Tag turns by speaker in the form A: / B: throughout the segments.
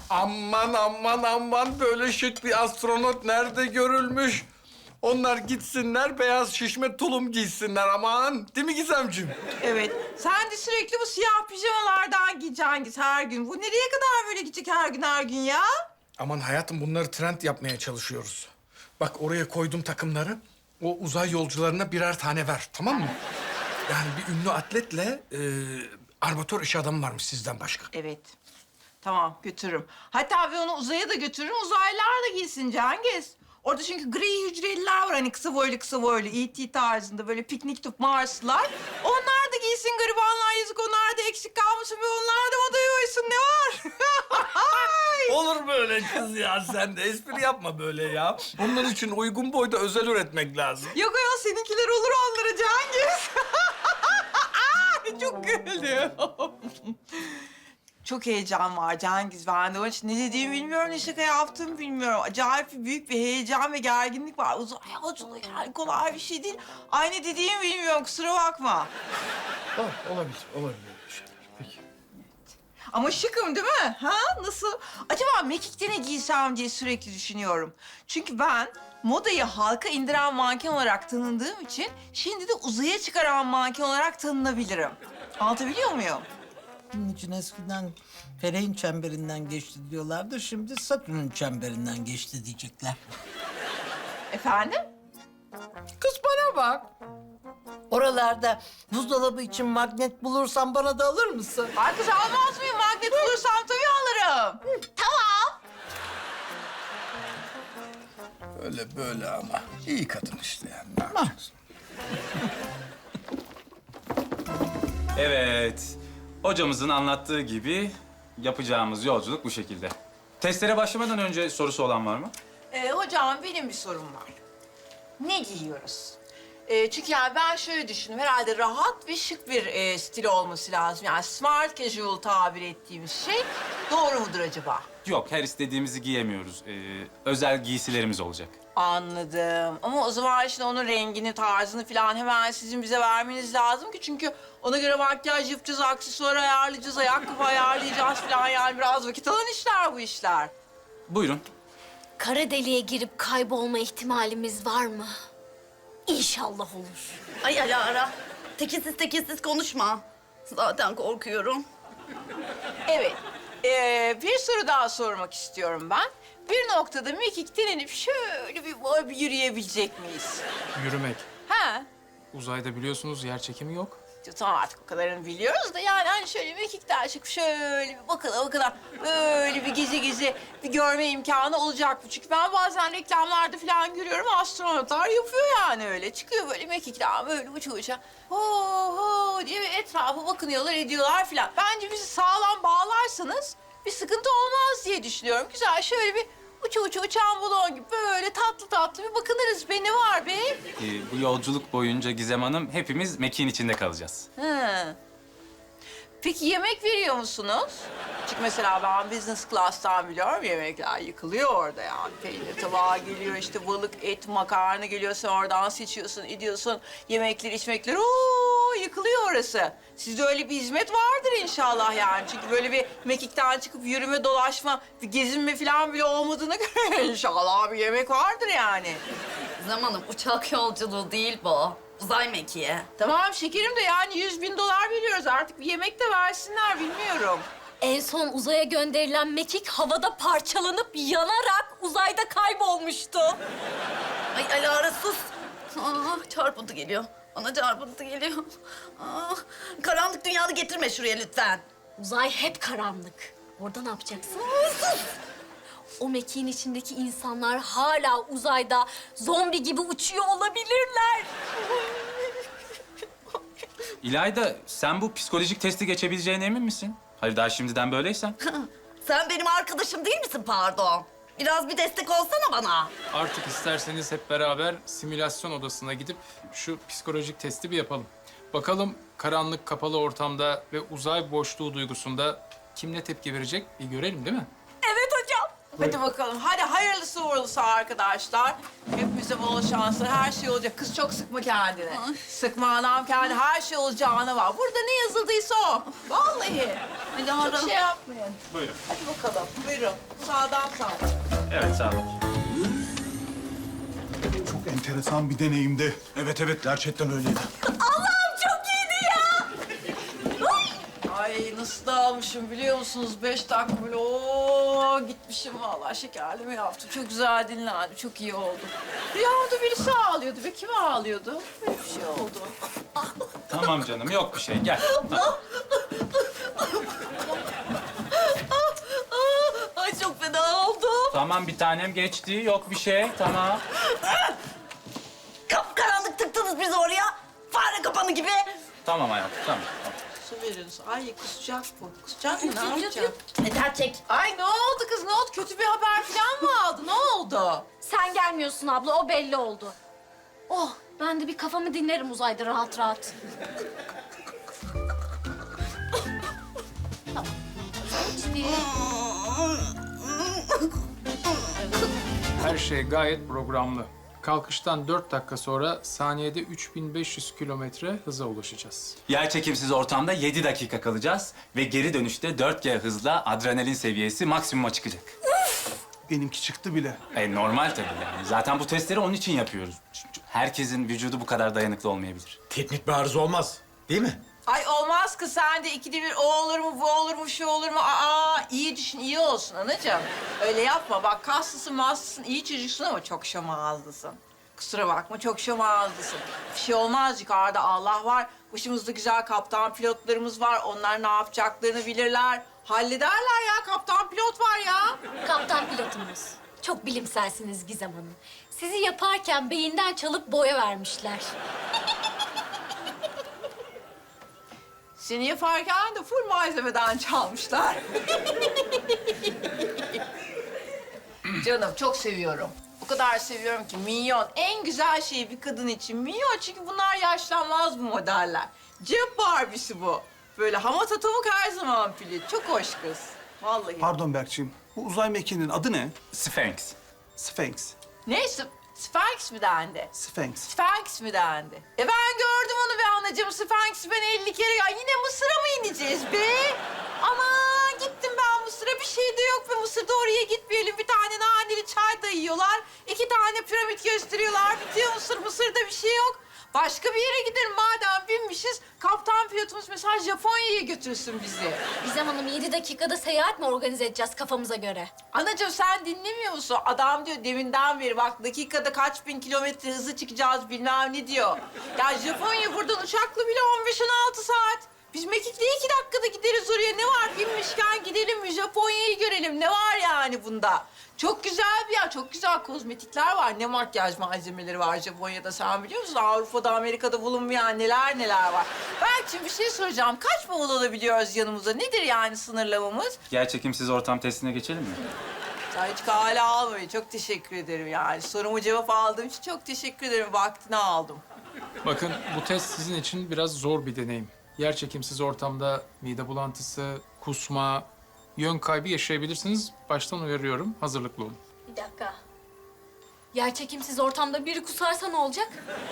A: Aman aman aman, böyle şık bir astronot nerede görülmüş? Onlar gitsinler, beyaz şişme tulum giysinler aman. Değil mi Gizemciğim?
B: Evet. Sen de sürekli bu siyah pijamalardan giyeceksin her gün. Bu nereye kadar böyle gidecek her gün ya?
A: Aman hayatım, bunları trend yapmaya çalışıyoruz. Bak, oraya koydum takımları. O uzay yolcularına birer tane ver, tamam mı? Yani bir ünlü atletle armatör iş adamı varmış sizden başka.
B: Evet. Tamam, götürürüm. Hatta ben onu uzaya da götürürüm. Uzaylılar da giysin Cengiz. Orada çünkü gri hücreliler var, hani kısa boylu, E.T. tarzında böyle piknik tüp Marslılar. Onlar da giysin garibanlar, yazık, onlar da eksik kalmasın ve onlar da odaya uysun, ne var?
A: Olur böyle kız ya, sen de espri yapma böyle ya. Onun için uygun boyda özel üretmek lazım.
B: Yok ya, seninkiler olur onlara Cengiz. Çok güldüm. Çok heyecan var Cengiz bende. Onun için ne dediğimi bilmiyorum, ne şaka yaptığımı bilmiyorum. Acayip büyük bir heyecan ve gerginlik var. Uzay yolculuğu yani kolay bir şey değil. Ay, ne dediğimi bilmiyorum, kusura bakma.
A: Olabilir bir şeyler. Peki.
B: Ama şıkım değil mi? Ha? Nasıl? Acaba mekikte ne giysem diye sürekli düşünüyorum. Çünkü ben modayı halka indiren manken olarak tanındığım için şimdi de uzaya çıkaran manken olarak tanınabilirim. Anlatabiliyor muyum?
C: Bunun için eskiden Feleğin çemberinden geçti diyorlardı. Şimdi Satürn'ün çemberinden geçti diyecekler.
B: Efendim?
C: Kız bana bak. Oralarda buzdolabı için magnet bulursan bana da alır mısın?
B: Ay kız, almaz mıyım? Magnet bulursam tabii alırım. Tamam.
A: Öyle böyle ama iyi kadın işte yani. Ne yapacaksın?
D: Evet. Hocamızın anlattığı gibi yapacağımız yolculuk bu şekilde. Testlere başlamadan önce sorusu olan var mı?
B: Hocam, benim bir sorum var. Ne giyiyoruz? Çünkü yani ben şöyle düşündüm. Herhalde rahat ve şık bir stil olması lazım. Yani smart casual tabir ettiğimiz şey doğru mudur acaba?
D: Yok, her istediğimizi giyemiyoruz. Özel giysilerimiz olacak.
B: Anladım. Ama o zaman şimdi onun rengini, tarzını falan hemen sizin bize vermeniz lazım ki. Çünkü ona göre makyaj yapacağız, aksesuar ayarlayacağız, ayakkabı ayarlayacağız falan. Yani biraz vakit alan işler bu işler.
D: Buyurun.
E: Kara deliğe girip kaybolma ihtimalimiz var mı? İnşallah olur.
F: Ay Alara, tekizsiz konuşma. Zaten korkuyorum.
B: Evet. Bir soru daha sormak istiyorum ben. Bir noktada mekikten inip şöyle bir yürüyebilecek miyiz?
G: Yürümek.
B: Ha?
G: Uzayda biliyorsunuz yer çekimi yok.
B: Tamam, artık o kadarını biliyoruz da yani hani şöyle mekikten çıkıp şöyle bir bakala böyle bir gezi bir görme imkanı olacak mı? Çünkü ben bazen reklamlarda falan görüyorum, astronotlar yapıyor yani öyle. Çıkıyor böyle mekikten böyle uça ho diye bir etrafa bakınıyorlar, ediyorlar falan. Bence bizi sağlam bağlarsanız bir sıkıntı olmaz diye düşünüyorum. Güzel şöyle bir uçan balon gibi böyle tatlı bir bakınırız be, ne var be?
D: Bu yolculuk boyunca Gizem Hanım hepimiz mekiğin içinde kalacağız.
B: Hı. Peki yemek veriyor musunuz? Çünkü mesela ben business class'tan biliyorum, yemekler yıkılıyor orada yani. Peynir tabağı geliyor, işte balık, et, makarna geliyor. Sen oradan seçiyorsun, ediyorsun. Yemekler, içmekler, yıkılıyor orası. Sizde öyle bir hizmet vardır inşallah yani. Çünkü böyle bir mekikten çıkıp yürüme, dolaşma, bir gezinme falan bile olmadığına göre inşallah bir yemek vardır yani.
F: Zamanım uçak yolculuğu değil bu. Uzay mekiği.
B: Tamam şekerim de yani $100.000 veriyoruz. Artık bir yemek de versinler, bilmiyorum.
E: En son uzaya gönderilen mekik havada parçalanıp yanarak uzayda kaybolmuştu.
F: Ay Alara sus. Çarpıntı geliyor. Bana çarpıntı geliyor. Karanlık dünyalı getirme şuraya lütfen.
E: Uzay hep karanlık. Orada ne yapacaksın? O mekiğin içindeki insanlar hala uzayda zombi gibi uçuyor olabilirler.
D: İlayda, sen bu psikolojik testi geçebileceğine emin misin? Hayır, daha şimdiden böyleysen.
F: Sen benim arkadaşım değil misin pardon? Biraz bir destek olsana bana.
G: Artık isterseniz hep beraber simülasyon odasına gidip şu psikolojik testi bir yapalım. Bakalım karanlık, kapalı ortamda ve uzay boşluğu duygusunda kim ne tepki verecek bir görelim değil mi?
E: Evet hocam.
B: Hadi bakalım. Hadi hayırlısı uğurlusu arkadaşlar. Hepimize bol şanslar. Her şey olacak. Kız çok sıkma kendini. Sıkma anam kendini. Her şey olacağına var. Burada ne yazıldıysa o. Vallahi.
F: Alara.
B: Çok şey yapmayın.
D: Buyurun.
B: Hadi bakalım. Buyurun. Sağdan sağa.
D: Evet, sağ olun.
H: Çok enteresan bir deneyimdi. Evet evet gerçekten öyleydi.
B: Ay nasıl dağılmışım biliyor musunuz? 5 dakika böyle ooo gitmişim vallahi şekerleme yaptım. Çok güzel dinlendim, çok iyi oldu. Rüyamda birisi ağlıyordu ve kim ağlıyordu? Böyle bir şey oldu.
D: Tamam canım, yok bir şey. Gel.
F: Ay çok fena oldum.
D: Tamam, bir tanem geçti. Yok bir şey. Tamam.
F: Kapkaranlık tıktınız bizi oraya. Fare kapanı gibi.
D: Tamam hayatım, tamam.
B: Su verin su. Ay kusacak bu. Kusacak mı? Ne yapacak?
F: Yeter çek.
B: Ay ne oldu kız? Ne oldu? Kötü bir haber falan mı aldı? Ne oldu?
E: Sen gelmiyorsun abla, o belli oldu. Oh, ben de bir kafamı dinlerim uzayda rahat rahat. Tamam. Şimdi
G: Her şey gayet programlı. Kalkıştan 4 dakika sonra saniyede 3500 kilometre hıza ulaşacağız.
D: Yerçekimsiz ortamda 7 dakika kalacağız ve geri dönüşte 4G hızla adrenalin seviyesi maksimuma çıkacak.
H: Benimki çıktı bile.
D: Normal tabii yani. Zaten bu testleri onun için yapıyoruz. Çünkü herkesin vücudu bu kadar dayanıklı olmayabilir.
I: Teknik bir arıza olmaz, değil mi?
B: Ay olmaz kız sen de ikide bir o olur mu, bu olur mu, şu olur mu? Aa iyi düşün, iyi olsun anacığım. Öyle yapma. Bak kaslısın, maslısın, iyi çocuksun ama çok şomağızlısın. Kusura bakma çok şomağızlısın. Bir şey olmaz yukarıda Allah var. Başımızda güzel kaptan pilotlarımız var. Onlar ne yapacaklarını bilirler. Hallederler ya. Kaptan pilot var ya.
E: kaptan pilotumuz. Çok bilimselsiniz Gizem Hanım. Sizi yaparken beyinden çalıp boya vermişler.
B: Seni yaparken de full malzemeden çalmışlar. Canım çok seviyorum. O kadar seviyorum ki minyon. En güzel şey bir kadın için minyon. Çünkü bunlar yaşlanmaz bu modeller. Cep Barbie'si bu. Böyle hamat atamuk her zaman pili. Çok hoş kız. Vallahi.
H: Pardon Berkçiğim. Bu uzay mekiğinin adı ne?
D: Sphinx.
H: Sphinx.
B: Neyse, Sphinx mi dendi?
H: Sphinx.
B: Sphinx mi dendi? Ben gördüm onu be anacığım. Sphinx'i ben 50 kere... Ya yine Mısır'a mı ineceğiz be? Aman gittim ben Mısır'a. Bir şey de yok be Mısır'da oraya gitmeyelim. Bir tane naneli çay dayıyorlar. 2 tane piramit gösteriyorlar. Bitiyor Mısır. Mısır'da bir şey yok. Başka bir yere gidelim madem binmişiz. Kaptan pilotumuz mesela Japonya'ya götürsün bizi.
E: Gizem Hanım 7 dakikada seyahat mi organize edeceğiz kafamıza göre?
B: Anacığım sen dinlemiyor musun? Adam diyor deminden beri bak dakikada kaç bin kilometre hızı çıkacağız bilmem ne diyor. Ya Japonya buradan uçakla bile 15-16 saat. Biz Mekik'te 2 dakikada gideriz oraya. Ne var binmişken gidelim mi Japonya'yı görelim. Ne var yani bunda? Çok güzel bir yer, çok güzel kozmetikler var. Ne makyaj malzemeleri var Japonya'da sen biliyor musun? Avrupa'da, Amerika'da bulunmayan neler neler var. Belki bir şey soracağım. Kaç bavul alabiliyoruz yanımıza? Nedir yani sınırlamamız?
D: Yerçekimsiz ortam testine geçelim mi?
B: Sen hiç kale almayın. Çok teşekkür ederim yani. Sorumu cevap aldığım için çok teşekkür ederim. Vaktini aldım.
G: Bakın bu test sizin için biraz zor bir deneyim. Yerçekimsiz ortamda mide bulantısı, kusma, yön kaybı yaşayabilirsiniz. Baştan uyarıyorum, hazırlıklı olun.
E: Bir dakika. Yerçekimsiz ortamda biri kusarsa ne olacak?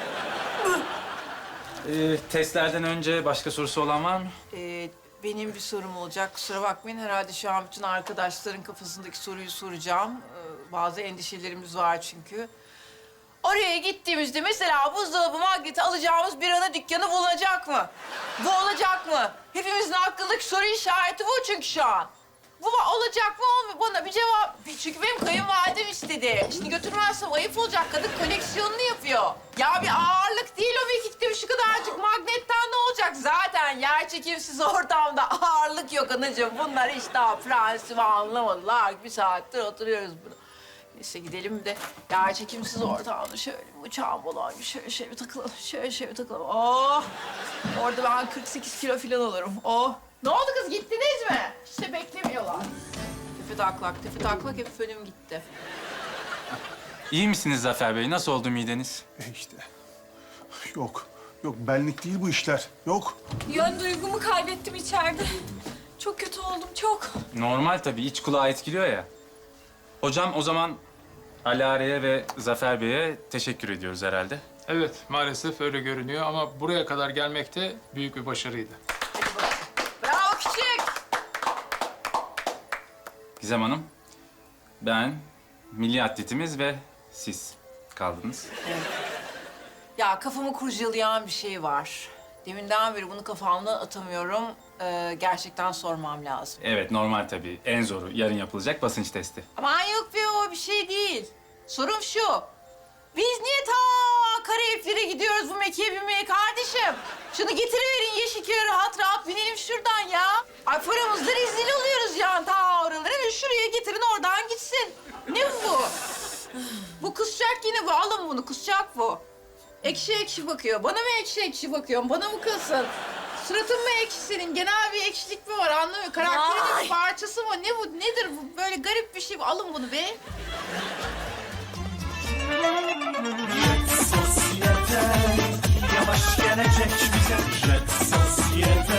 D: Testlerden önce başka sorusu olan var mı?
B: Benim bir sorum olacak. Kusura bakmayın. Herhalde şu an bütün arkadaşların kafasındaki soruyu soracağım. Bazı endişelerimiz var çünkü. Oraya gittiğimizde mesela buzdolabı magneti alacağımız bir ana dükkanı bulunacak mı? Bu olacak mı? Hepimizin aklındaki soru işareti bu çünkü şu an. Bu olacak mı olmuyor? Bana bir cevap. Çünkü benim kayınvalidem istedi. Şimdi götürmezsem ayıp olacak. Kadın koleksiyonunu yapıyor. Ya bir ağırlık değil o mekikte şu kadarcık magnetten ne olacak? Zaten yerçekimsiz ortamda ağırlık yok anacığım. Bunlar hiç daha prensimi anlamadılar. Bir saattir oturuyoruz burada. Neyse gidelim de yerçekimsiz ortamda şöyle bir uçağın balon gibi şöyle bir takılalım. Şöyle bir takılalım. Oh! Orada ben 48 kilo falan olurum. Oh! Ne oldu kız gittiniz mi? İşte beklemiyorlar. Tefe taklak hep fönüm gitti.
D: İyi misiniz Zafer Bey? Nasıl oldu mideniz?
H: İşte. Yok. Yok benlik değil bu işler. Yok.
J: Yön duygumu kaybettim içeride. Çok kötü oldum, çok.
D: Normal tabii. İç kulağı etkiliyor ya. Hocam o zaman Alare'ye ve Zafer Bey'e teşekkür ediyoruz herhalde.
G: Evet, maalesef öyle görünüyor ama buraya kadar gelmek de büyük bir başarıydı.
B: Bravo küçük.
D: Gizem Hanım, ben, milli atletimiz ve siz kaldınız.
B: Ya kafamı kurcalayan bir şey var. Deminden beri bunu kafamdan atamıyorum. Gerçekten sormam lazım.
D: Evet, normal tabii. En zoru yarın yapılacak basınç testi.
B: Aman yok be, o bir şey değil. Sorum şu. Biz niye ta Karayipler'e gidiyoruz bu mekiğe binmeye kardeşim? Şunu getiriverin Yeşilköy'e rahat rahat binelim şuradan ya. Ay paramızda rezil oluyoruz yani ta oralara ve şuraya getirin oradan gitsin. Ne bu? Bu kusacak yine bu. Alın bunu, kusacak bu. Ekşi ekşi bakıyor. Bana mı ekşi ekşi bakıyorsun? Bana mı kızsın? Suratın mı ekşi senin? Genel bir ekşilik mi var anlamıyorum. Karakterin bir parçası mı? Ne bu? Nedir bu? Böyle garip bir şey. Alın bunu be.
K: Yavaş gelecek bize Jet Sosyete